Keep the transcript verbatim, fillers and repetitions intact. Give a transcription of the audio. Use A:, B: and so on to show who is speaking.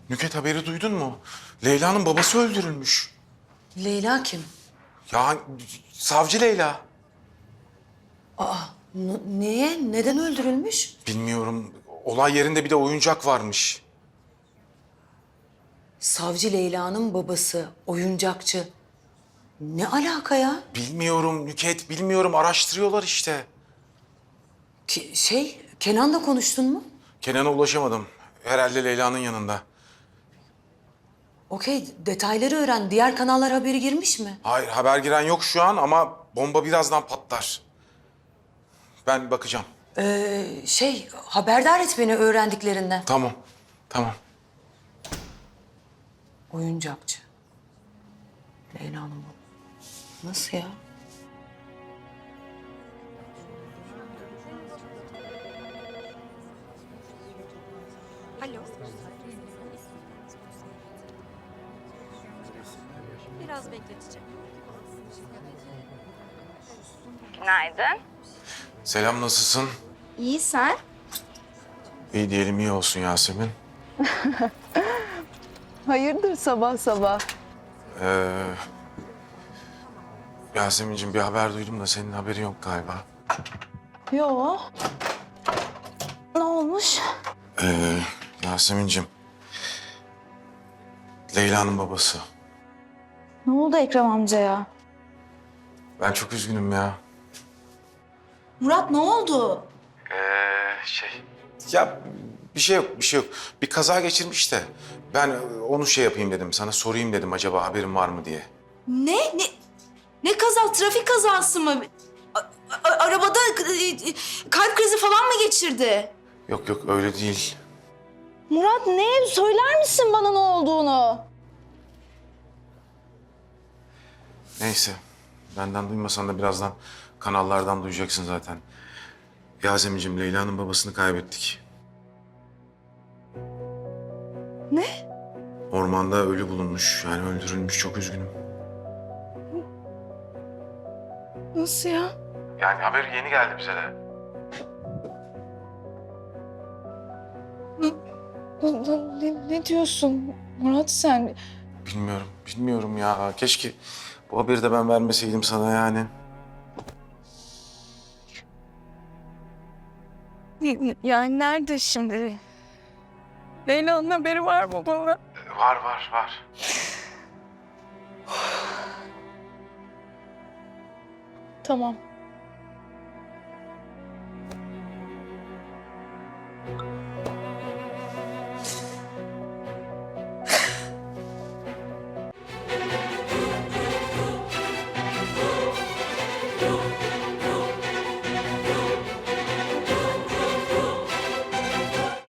A: Nüket haberi duydun mu? Leyla'nın babası öldürülmüş.
B: Leyla kim?
A: Ya savcı Leyla.
B: N- niye? Neden öldürülmüş?
A: Bilmiyorum. Olay yerinde bir de oyuncak varmış.
B: Savcı Leyla'nın babası, oyuncakçı. Ne alaka ya?
A: Bilmiyorum Nüket, bilmiyorum. Araştırıyorlar işte.
B: Ki, şey, Kenan'la konuştun mu?
A: Kenan'a ulaşamadım. Herhalde Leyla'nın yanında.
B: Okey, detayları öğren. Diğer kanallar haberi girmiş mi?
A: Hayır, haber giren yok şu an ama bomba birazdan patlar. Ben bakacağım.
B: Ee, şey, haberdar et beni öğrendiklerinden.
A: Tamam, tamam.
B: Oyuncakçı. Leyla'nın babası. Nasıl ya?
C: Alo. Biraz bekleteceğim.
D: Günaydın.
A: Selam, nasılsın?
D: İyi sen?
A: İyi diyelim, iyi olsun Yasemin.
D: Hayırdır sabah sabah?
A: Ee, Yasemin'cim bir haber duydum da senin haberin yok galiba.
D: Yo. Ne olmuş?
A: Ee, Yasemin'cim. Leyla'nın babası.
D: Ne oldu Ekrem amcaya?
A: Ben çok üzgünüm ya.
D: Murat ne oldu?
A: Ee, şey... Ya bir şey yok, bir şey yok. Bir kaza geçirmiş de ben onu şey yapayım dedim, sana sorayım dedim acaba haberin var mı diye.
E: Ne? Ne? Ne kaza? Trafik kazası mı? A- a- arabada e, kalp krizi falan mı geçirdi?
A: Yok yok öyle değil.
D: Murat ne? Söyler misin bana ne olduğunu?
A: Neyse, benden duymasan da birazdan kanallardan duyacaksın zaten. Yasemin'cim, Leyla'nın babasını kaybettik.
D: Ne?
A: Ormanda ölü bulunmuş, yani öldürülmüş. Çok üzgünüm.
D: Nasıl ya?
A: Yani haber yeni geldi bize de.
D: Ne, ne diyorsun Murat sen?
A: Bilmiyorum, bilmiyorum ya. Keşke bu haberi de ben vermeseydim sana yani.
D: Yani nerede şimdi? Leyla'nın haberi var mı bana?
A: Var, var, var.
D: Tamam.